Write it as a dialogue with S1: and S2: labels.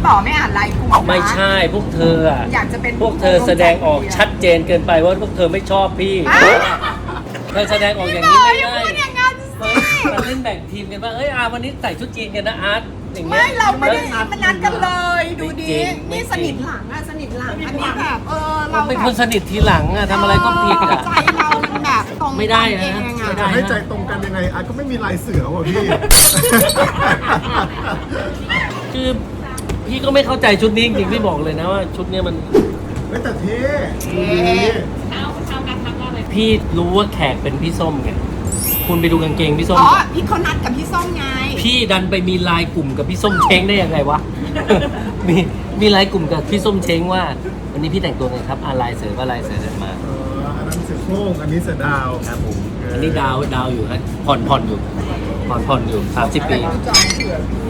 S1: ป๋อไม่อ่านไลน์กลุ่มนะ
S2: ไม่ใช่พวกเธออะ
S1: อยากจะเป็น
S2: พวกเธอแสดงออกชัดเจนเกินไปว่าพวกเธอไม่ชอบพี่เธอแสดงออกอย่างนี้ไม่ได้
S1: พูดอย่างนั้นสิ
S2: มาเล่นแบ่งทีมกันว่าเอ้ยวันนี้ใส่ชุดจีนกันนะอาร์ตอย่างเงี้ย
S1: ไม่เราไม่ได้มันนัดกันเลย ดูดี
S2: ไม่
S1: นี่
S2: จริง
S1: สนิทหลังอะสนิทหลังอันนี้แบบเรา
S2: เป็นคนสนิททีหลังอะทำอะไรก็ผิดอะ
S1: ใจเรามันแบบตรง
S2: ไม่ได้นะ
S1: เองอะ
S2: ไม่ได้
S3: ให้ใจตรงกันยังไงอาร์ตก็ไม่มีลายเสือว่ะพี่
S2: คือพี่ก็ไม่เข้าใจชุดนี้จริงๆพี่บอกเลยนะว่าชุดเนี้ยมัน
S3: เฮ้ยแต่เท่ดูดี
S2: พี่รู้ว่าแขกเป็นพี่ส้มไงคุณไปดูกางเกงพี่ส้ม
S1: อ๋อพี่เขานัดกับพี่ส้มไง
S2: พี่ดันไปมีไลน์กลุ่มกับพี่ส้มเช้งได้ยังไงวะ มีไลน์กลุ่มกับพี่ส้มเช้งว่า วันนี้พี่แต่งตัวไงครับลายเสือว่าลายเสือเดินมา
S3: อันนั้นเสือโคร่งอันนี้เสือดาว
S2: ครับผมอันนี้ดาวอยู่ฮะผ่อนอยู่30 ปี